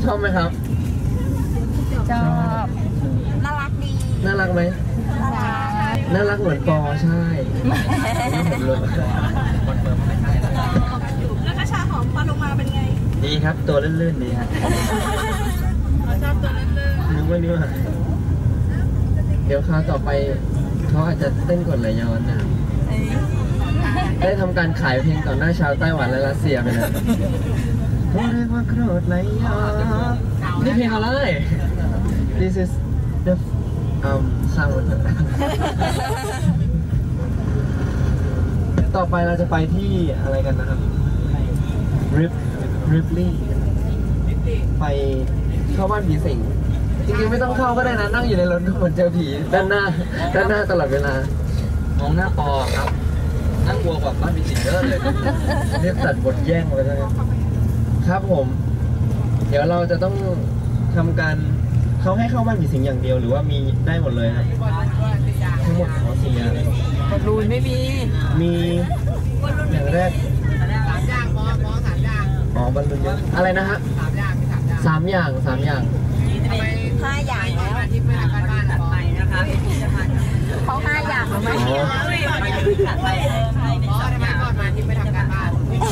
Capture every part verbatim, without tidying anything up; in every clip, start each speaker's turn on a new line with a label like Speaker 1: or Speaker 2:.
Speaker 1: ชอบไหมครับ
Speaker 2: ชอบ
Speaker 3: น่ารักดี
Speaker 1: น่ารักไหมน่ารักเหมือนปอใช่ผมเลย
Speaker 3: แล้วกระชาหอมปลาลงมาเป็นไง
Speaker 1: ดีครับตัวลื่นๆดีฮะ
Speaker 3: ชอบตัวลื่น
Speaker 1: ๆนึกว่านี่ว่าเดี๋ยวคราวต่อไปเขาอาจจะเต้นกดไหลย้อนนะได้ทำการขายเพลงต่อหน้าชาวไต้หวันและรัสเซียไปนะเขาเรียกว่าโกรธไหลย้อนนี่เพลงอะไร This is the um sound ต่อไปเราจะไปที่อะไรกันนะครับ Rip Ripley ไปเข้าบ้านผีสิงจริงๆไม่ต้องเข้าก็ได้นะนั่งอยู่ในรถก็เหมือนเจอผีด้านหน้าด้านหน้าตลอดเวลามองหน้าปอครับนั่งกลัวกว่าบ้านผีสิงเยอะเลยเรียกตัดบทแย่งเลยนะครับผมเดี๋ยวเราจะต้องทำการเขาให้เข้าบ้านผีสิงอย่างเดียวหรือว่ามีได้หมดเลยครับทั้งหมดขอสี่อย่าง
Speaker 2: บอลลูนไม่มี
Speaker 1: มีอย่างแรก
Speaker 3: สามอย่างบอสบอสสามอย่าง
Speaker 1: อ๋อบอลลูนเยอะอะไรนะฮะสามอย่างสามอย่าง
Speaker 3: ห้าอย่างแล้วที่ไม่ทำการบ้านไปนะคะเขาห้าอย่างแล้วไหมไปบอสทำไมก่อนมาที่ไม่ทำการบ้าน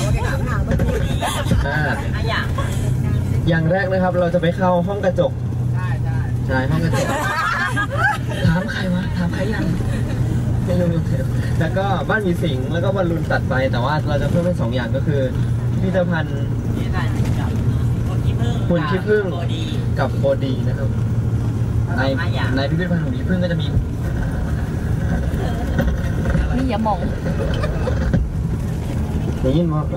Speaker 1: ห้าอย่างอย่างแรกนะครับเราจะไปเข้าห้องกระจกใช่ใช่ใช่ห้องกระจกถามใครวะถามใครยังไม่รู้แล้วก็บ้านมีสิงแล้วก็บอลลูนตัดไปแต่ว่าเราจะเพิ่มเป็นสองอย่างก็คือพิพิธภัณฑ์หุ่นขี้ผึ้งกับโฟดีนะครับในในพิพิธภัณฑ์หุ่นขี้ผึ้งก็จะมี
Speaker 2: นี่อย่ามอง
Speaker 1: ได้ยินมั้ย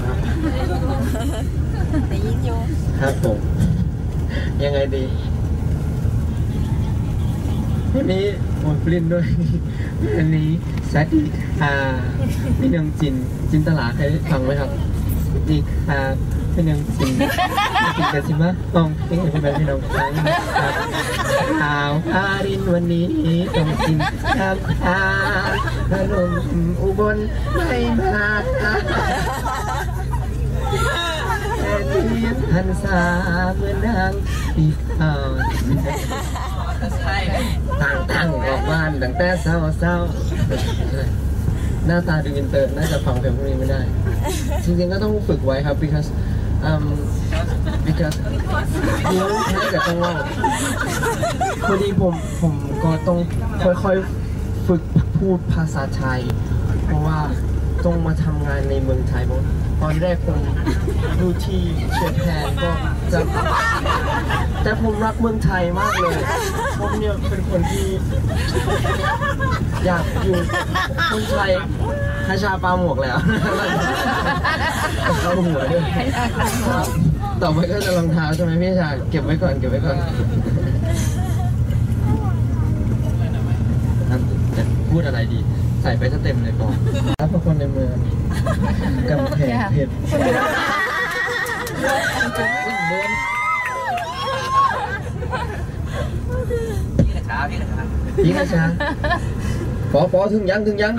Speaker 3: ได้ยินอยู่
Speaker 1: ครับผมยังไงดีวันนี้ผมปลิ้นด้วยอันนี้แซดอ่าพี่นางจินจินตลาเคยฟังไหมครับดีค่ะพี่นางจินจินกันสิมะมองพี่เป็นแบบพี่น้องฟังครับข่าวพารินวันนี้ต้องกินข้าวขาขนมอุบลไม่มาหันสาเหมือนนางปีอ่อนต่างตั้งออกบ้านตั้งแต่เศร้าเศร้าหน้าตาดูอินเตอร์น่าจะฟังเพลงพวกนี้ไม่ได้จริงๆก็ต้องฝึกไว้ครับ because um because ยิ้มให้กับจังหวะพอดีผมผมก็ต้องค่อยๆฝึกพูดภาษาไทยเพราะว่าต้องมาทำงานในเมืองไทยตอนแรกผมดูที่เชียงแพนก็จะแต่ผมรักเมืองไทยมากเลยผมเนี่ยเป็นคนที่อยากอยู่เมืองไทยคาชาปลาหมวกแล้วเข้าหัวด้วยต่อไปก็จะรองเท้าใช่ไหมพี่ชายเก็บไว้ก่อนเก็บไว้ก่อนจะพูดอะไรดีใส่ไปซะเต็มเลยก่อนรับพวกคนในเมืองกำแพงเพชรพี่กระช้าพี่กระช้าพี่กระช้าปอปอถึงยังถึงยัง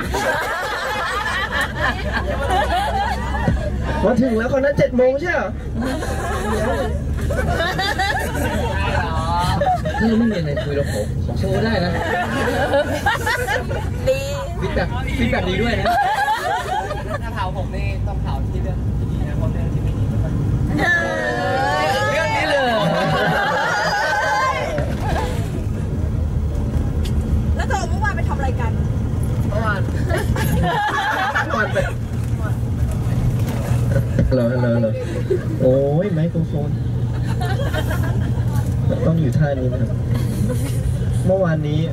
Speaker 1: มาถึงแล้วคนนั้นเจ็ดโมงใช่ไหมถ้าเราไม่มีอะไรคุยเราขอขอโชว์ได้นะ
Speaker 3: ดี
Speaker 1: ฟีดแบบฟีดแบบดีด้วยนะ
Speaker 4: ถ้าเผาผมนี่ต้องเผาที่เรื่องที่ดีนะเพราะเรื่องที่ไม่ดีไม่ค่อยเรื่องนี้เลย
Speaker 3: แล้วเธอเมื่อวานไปทำอะไรกัน
Speaker 1: เมื่อวานเมื่อวานไปเหรอเหรอเหรอโอ้ยไมโครโฟนต้องอยู่ท่านี้นะครับเมื่อวานนี้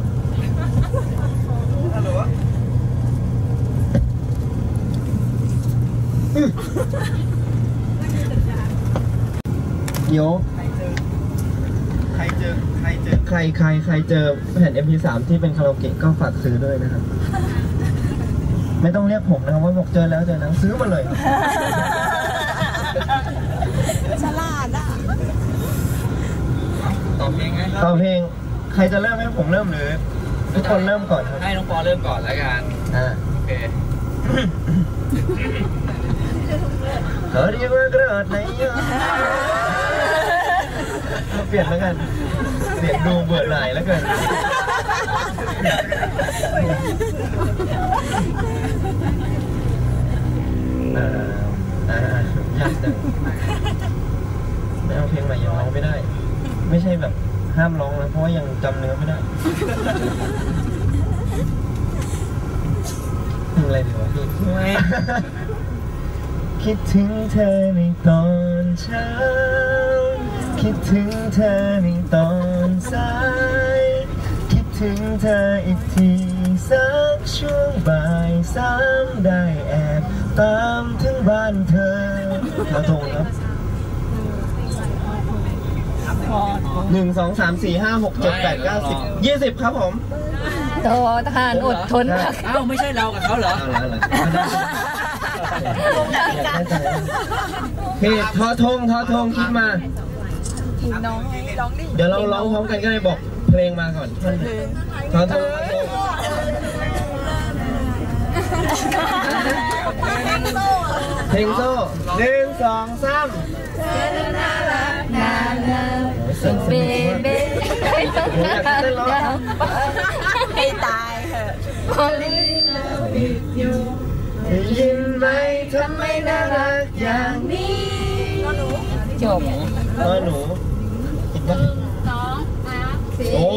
Speaker 1: โยใครเจอใครเจอใครใครใครเจอแผ่น เอ็ม พี สาม ที่เป็นคาราโอเกะก็ฝากซื้อด้วยนะครับไม่ต้องเรียกผมนะครับว่าบอกเจอแล้วเจอแล้วซื้อมาเลย
Speaker 3: ฉลาดอ่ะ
Speaker 4: ต่อเพลงไง
Speaker 1: ต่อเพลงใครจะเริ่มให้ผมเริ่มหรือทุกคนเริ่มก่อนครับ
Speaker 4: ให้น้องปอเริ่มก่อนแล้วกัน
Speaker 1: อ่า
Speaker 4: โอเค
Speaker 1: เฮ้ยว่ากระดาษไหนเปลี่ยนแล้วกันเสียงดูเบื่อหน่ายแล้วกันอ่าอ่ายากจังไม่เอาเพลงใหม่ยังร้องไม่ได้ไม่ใช่แบบห้ามร้องนะเพราะว่ายังจำเนื้อไม่ได้เพลงอะไรดีวะพี่คิดถึงเธอในตอนเช้าคิดถึงเธอในตอนสายคิดถึงเธออีกทีสักช่วงบ่ายสามได้แอบตามถึงบ้านเธอมาตรงครับหนึ่งสองสามสี่ห้าหกเจ็ดแปดเก้าสิบยี่สิบครับผม
Speaker 2: โตทหารอดทนมาก
Speaker 4: เอ้าไม่ใช่เรากับเขาเหรอ
Speaker 1: เอาละพี่ทอทงทอทงคิดมา
Speaker 3: น้องร้องดิ
Speaker 1: เดี๋ยวเราร้องพร้อมกันก็ได้บอกเพลงมาก่อนทอทงเพลงโซ่หนึ่งสองสาม
Speaker 2: เบเบ้ไม่ต้องน่ารัก
Speaker 3: ให้ตายเถอะ
Speaker 2: พอลิ
Speaker 1: ได้ยินไหมทำไมน่ารักอย่างนี้
Speaker 2: จบ
Speaker 1: เออหนูคิดว่าโอ้